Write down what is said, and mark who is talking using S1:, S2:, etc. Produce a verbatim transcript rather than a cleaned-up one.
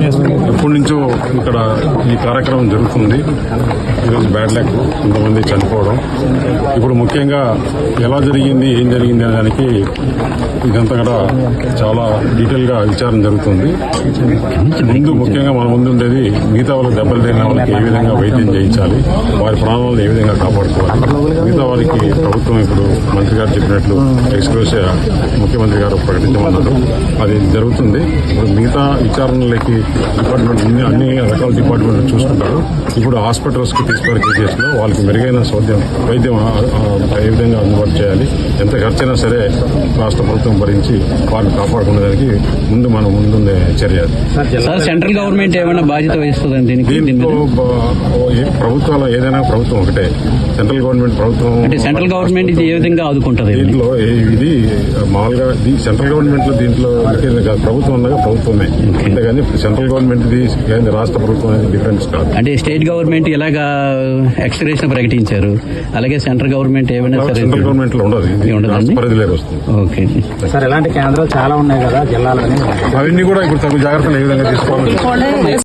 S1: ఎప్పటి నుంచో ఇక్కడ ఈ కార్యక్రమం జరుగుతుంది. ఈరోజు బ్యాడ్ లక్, కొంతమంది చనిపోవడం. ఇప్పుడు ముఖ్యంగా ఎలా జరిగింది, ఏం జరిగింది అనే దానికి ఇదంతా కూడా చాలా డీటెయిల్ గా విచారణ జరుగుతుంది. ముందు ముఖ్యంగా మన ముందు ఉండేది మిగతా వాళ్ళకి దెబ్బలు తగిలిన వాళ్ళకి ఏ విధంగా వైద్యం చేయించాలి, వారి ప్రాణాలను ఏ విధంగా కాపాడుకోవాలి. మిగతా వారికి ప్రభుత్వం ఇప్పుడు మంత్రి గారు చెప్పినట్లు ఎక్స్క్లూసివ్ ముఖ్యమంత్రి గారు ప్రకటించమన్నారు. అది జరుగుతుంది. ఇప్పుడు మిగతా విచారణలకి డిపార్ట్మెంట్ అన్ని అన్ని రకాల డిపార్ట్మెంట్లు చూసుకుంటారు. ఇప్పుడు హాస్పిటల్స్ కి తీసుకునే కేసెస్లో వాళ్ళకి మెరుగైన సౌద్యం వైద్యం ఏ విధంగా అందుబాటు చేయాలి, ఎంత ఖర్చైనా సరే రాష్ట్ర ప్రభుత్వం భరించి వారిని కాపాడుకునేదానికి ముందు మనం ముందుండే చర్య.
S2: సెంట్రల్ గవర్నమెంట్ ఏమైనా బాధ్యత వహిస్తుందండి
S1: దీంట్లో? ప్రభుత్వాలు ఏదైనా ప్రభుత్వం ఒకటే. సెంట్రల్ గవర్నమెంట్ ప్రభుత్వం
S2: అంటే సెంట్రల్ గవర్నమెంట్ ఇది ఏ విధంగా ఆదుకుంటుంది?
S1: దీంట్లో ఇది మామూలుగా సెంట్రల్ గవర్నమెంట్ లో దీంట్లో ప్రభుత్వం ఉండగా ప్రభుత్వమే, అంతేగాని సెంట్రల్ గవర్నమెంట్ ఇది రాష్ట్ర ప్రభుత్వం అనేది డిఫరెన్స్ కాదు.
S2: అంటే స్టేట్ గవర్నమెంట్ ఇలాగా ఎక్స్గ్రేషన్ ప్రకటించారు, అలాగే సెంట్రల్ గవర్నమెంట్ ఏమైనా సరే
S1: సెంట్రల్ గవర్నమెంట్ లో ఉండదు, పరిధిలోకి వస్తుంది.
S2: ఓకే
S3: సార్, ఇలాంటి కేంద్రాలు చాలా ఉన్నాయి కదా జిల్లాలోని,
S1: అవన్నీ కూడా ఇప్పుడు తగు జాగ్రత్తలు ఏ విధంగా తీసుకోవాలి.